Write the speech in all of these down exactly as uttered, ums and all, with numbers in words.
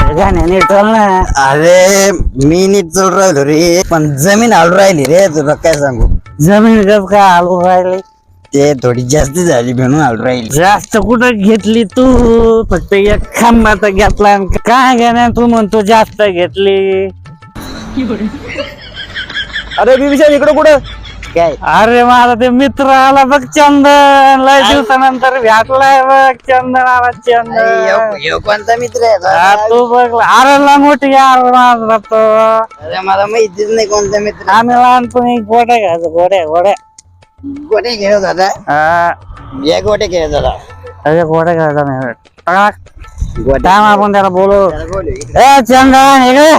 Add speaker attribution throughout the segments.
Speaker 1: गाण्या नीट चाल ना.
Speaker 2: अरे मी नीट चढ राहिलो रे, पण जमीन हलू राहिली रे. तुला काय सांगू,
Speaker 1: जमीन गप का हलवून राहिली?
Speaker 2: ते थोडी जास्त झाली म्हणून हलू राहिली.
Speaker 1: जास्त कुठं घेतली तू? फक्त एक खांबाचा घेतला. काय गाण्या तू म्हणतो जास्त घेतली?
Speaker 3: अरे बिबिशा इकडे कुठं?
Speaker 2: काय
Speaker 1: अरे माझा ते मित्र आला बघ चंदन, लय दिवसानंतर भेटलाय बघ. चंदन आला चंदन.
Speaker 2: ह्यो कोणता मित्र आहे?
Speaker 1: हा, तू बघ. अरे लंगोटी यार माझा तो.
Speaker 2: अरे मला माहितीच नाही कोणता मित्र.
Speaker 1: आम्ही लहानपणी गोड्या घ्यायचो, गोड्या गोड्या.
Speaker 2: गोटे खेळत होता.
Speaker 1: हा,
Speaker 2: या गोटे खेळत होता.
Speaker 1: अरे गोड्या घ्यायचा नाही. टाक.
Speaker 2: गोटे
Speaker 1: थांब, आपण त्याला बोलू.
Speaker 2: त्याला बोलू इकडे.
Speaker 1: ए चंदन इकडे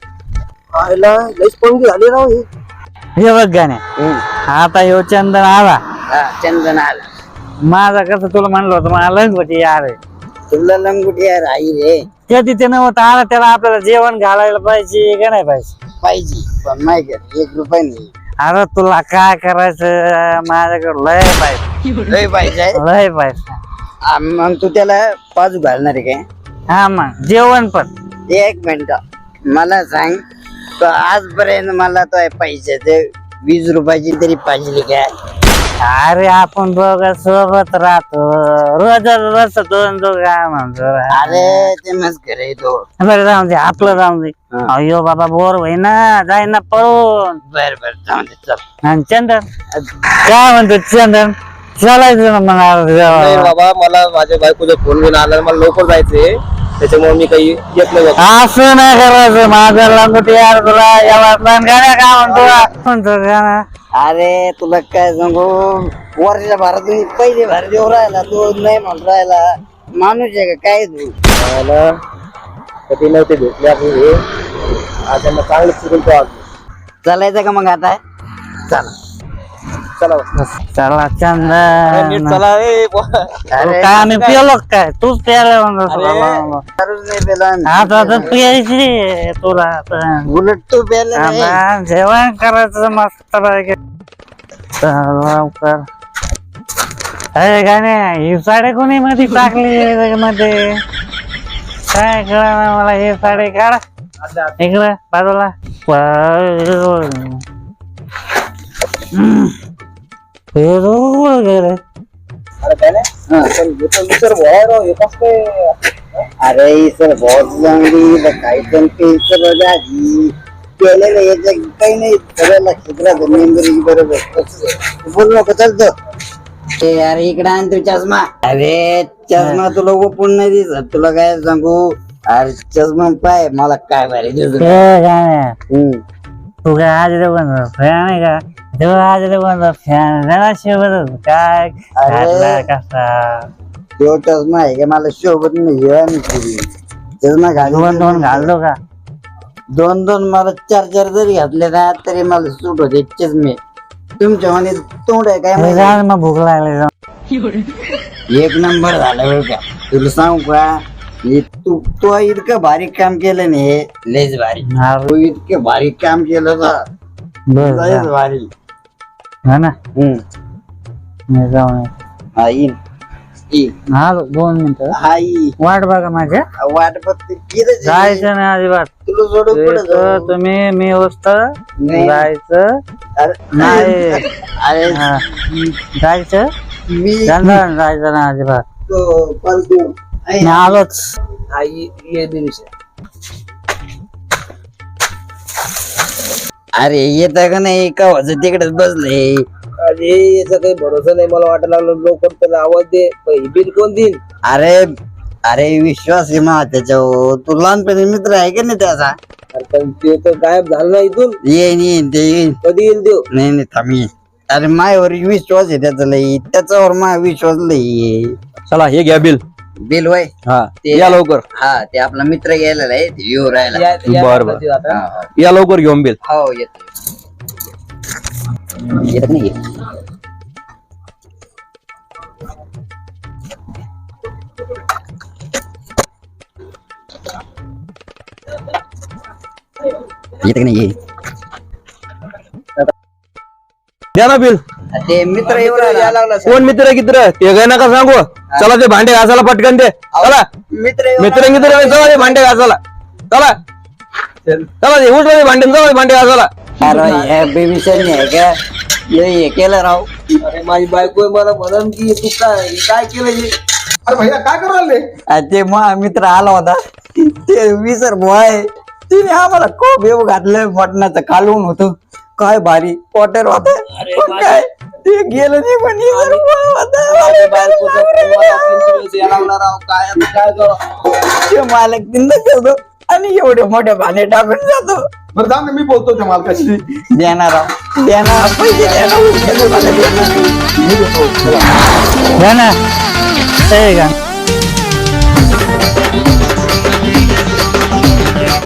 Speaker 3: आयला लईच पंगी झाली राव ही.
Speaker 1: हे बघ गाणे. आता ह्यो चंदन आला.
Speaker 2: हा, चंदन आला.
Speaker 1: माझा कसं तुला म्हणलं होतं, मला लंगोटी यार आहे.
Speaker 2: तुला लंगुटी यार आई रे.
Speaker 1: कधी ते नव्हतं आला, त्याला आपल्याला जेवण घालायला पाहिजे का नाही पाहिजे?
Speaker 2: पाहिजे, पण माहिती आहे, एक रुपये नाही.
Speaker 1: अरे तुला काय करायचं, माझ्याकडे लय पाहिजे,
Speaker 2: लय पाहिजे.
Speaker 1: लय पाहिजे.
Speaker 2: आ, मग तू त्याला पाजू घालणार आहे काय?
Speaker 1: हा मग जेवण पण.
Speaker 2: एक मिनिट मला सांग, तो आजपर्यंत मला तो पैशाचे वीस रुपयाची तरी पाहिजे काय?
Speaker 1: अरे आपण दोघं सोबत राहतो, रोज रोज दोन दोघं काय म्हणतो.
Speaker 2: अरे ते मस्कर आहे तो.
Speaker 1: बरं जाऊन दे, आपलं जाऊन दे. अयो बाबा बोर होई ना, जाय ना पळून.
Speaker 2: बर बर जाऊ दे, चल.
Speaker 1: आणि चंदन काय म्हणतो? चंदन चालायचं ना मग.
Speaker 3: नाही बाबा, मला माझ्या बायकोचा फोन घेऊन आला, मला लवकर जायचंय, त्याच्यामुळे मी काही येत नाही बाबा.
Speaker 1: असं नाही करायचं. माझं लंगोटी यार तुला याला गाण्या काय म्हणतो म्हणतो गाणं.
Speaker 2: अरे तुला काय सांगू, वर्षा भरातून पहिले भर देऊ राहिला तू, नाही म्हणून राहिला. माणूस आहे का काय तू?
Speaker 3: मला कधी नव्हते भेटले आपण हे, आता मग चांगलं फिरून तो आज.
Speaker 2: चालायचं का मग आता? चला
Speaker 3: चला
Speaker 1: चला
Speaker 3: नीट
Speaker 1: चंदन.
Speaker 3: चला. ए
Speaker 2: अरे
Speaker 1: काय आम्ही पिलो काय? तूच प्यायला म्हणतो.
Speaker 2: दारूच नाही पेला आम्ही.
Speaker 1: आता तर प्यायची तुला आता.
Speaker 2: उलट तू पेला नाही.
Speaker 1: आता जेवण करायचं मस्त पैकी. चल लवकर. अरे गाणे, ही साडी कोणी मध्ये टाकली मध्ये? काय कळा मला. हे साडी काढ इकडं बाजूला. वगैरे
Speaker 3: अरे काय नाही, पण हे तर विचार भोळा राव, हे कसं काय?
Speaker 2: अरे सर बहुत चांगली काही पण पेन्सिल आधी केलेलं याच्या काही नाही, सगळ्याला क्षेत्रात मेंबरी बरोबर. बोल नको चालतो. ते अरे इकडे आण तू चष्मा. अरे चष्मा तुला ओपून नाही दिसत, तुला काय सांगू. अरे चष्मा पाय मला काय भारी दिसत.
Speaker 1: गाणे तू काय आज बंद फॅन आहे का? तेव्हा आज बंद फॅन जरा शेवट काय घातला कसा?
Speaker 2: तो चष्मा आहे का मला शोभत नाही. हे आणि पुरी चष्मा
Speaker 1: दोन दोन
Speaker 2: घालून
Speaker 1: घालतो का?
Speaker 2: दोन दोन मला चार चार जरी घातले ना तरी मला सूट होते चष्मे. तुमच्या म्हणे तोंड आहे काय
Speaker 1: अरे
Speaker 2: माहिती?
Speaker 1: जा मग भूक लागली.
Speaker 2: एक नंबर झाला बरं का. तुला सांगू का, हे तू तो इतकं भारी काम केलं नाही, हे लयच भारी. तू इतकं भारी काम केलं ना, लयच भारी.
Speaker 1: हा ना,
Speaker 2: हम्म
Speaker 1: मी जाऊन
Speaker 2: हा येईन. येईन.
Speaker 1: आलो दोन मिनिटं.
Speaker 2: हा येईन.
Speaker 1: वाट बघा माझ्या.
Speaker 2: वाट बघते किती
Speaker 1: जायचं नाही अजिबात.
Speaker 2: तुला सोडून कुठं
Speaker 1: इथं
Speaker 2: जाऊ?
Speaker 1: तुम्ही मी वस्त
Speaker 2: नाही.
Speaker 1: जायचं
Speaker 2: अरे
Speaker 1: नाही.
Speaker 2: अरे
Speaker 1: हा. जायचं
Speaker 2: मी
Speaker 1: चंदन जायचं ना अजिबात.
Speaker 2: तो फालतू आहे.
Speaker 1: मी आलोच.
Speaker 3: आई ये बिबिशा.
Speaker 2: अरे येत का नाही का वाजत तिकडेच बसले.
Speaker 3: अरे याचा काही भरोसा नाही, मला वाटायला लागलं लवकर त्याला आवाज दे. बिल कोण देईल?
Speaker 2: अरे अरे विश्वास आहे मा त्याच्यावर. तू लहानपणी मित्र आहे का नाही त्याचा?
Speaker 3: अरे पण ते तर गायब झालं ना इथून.
Speaker 2: येईन येईन ते येईन.
Speaker 3: कधी येईल देव?
Speaker 2: नाही नाही थांब येईन. अरे मायावर विश्वास आहे त्याचा लई, त्याच्यावर मा विश्वास लई.
Speaker 3: चला हे घ्या बिल.
Speaker 2: बिल वय
Speaker 3: हा
Speaker 2: ते-
Speaker 3: या लवकर.
Speaker 2: हा ते आपला मित्र गेलेला आहे, ते येऊ राहिला.
Speaker 3: बर बर
Speaker 2: हा, हा.
Speaker 3: या लवकर घेऊन बिल.
Speaker 2: हो येतो. येत नाही. येत नाही.
Speaker 3: द्या ना बिल.
Speaker 2: ते मित्र येऊ राहिला.
Speaker 3: कोण मित्र कित्र ते काय नका सांगू. चला ते भांडे घासायला पटकन दे. चला
Speaker 2: मित्र येऊ
Speaker 3: मित्र मित्र चला ते भांडे घासायला. चला चला ते उठलं ते भांडे चला ते भांडे चला.
Speaker 2: अरे ह्या बेबीशानी आहे का हे हे केलं राव.
Speaker 3: अरे माझी बायको मला म्हणून की तू काय काय केलं हे?
Speaker 4: अरे भैया काय करायला
Speaker 2: आ, ते मा मित्र आला होता ते विसर आहे तिने आम्हाला खूप येऊ घातलं मटणाचं कालवून होतं काय भारी पॉटर होत काय ते गेलं नाही पण विसर बुवा होता.
Speaker 3: माझ्या बायकोचा फोन मला तीन दिवस यायला लागला राव. काय आता काय करावं?
Speaker 2: ते मालक तिंद करतो आणि एवढे मोठे भाने टाकून जातो.
Speaker 4: बरं जाऊ दे, मी बोलतो त्या मालकाशी.
Speaker 2: देणार राव देणार पैसे देणार उद्या मला देणार.
Speaker 4: मी देतो. चला.
Speaker 1: घ्या ना. हे घ्या.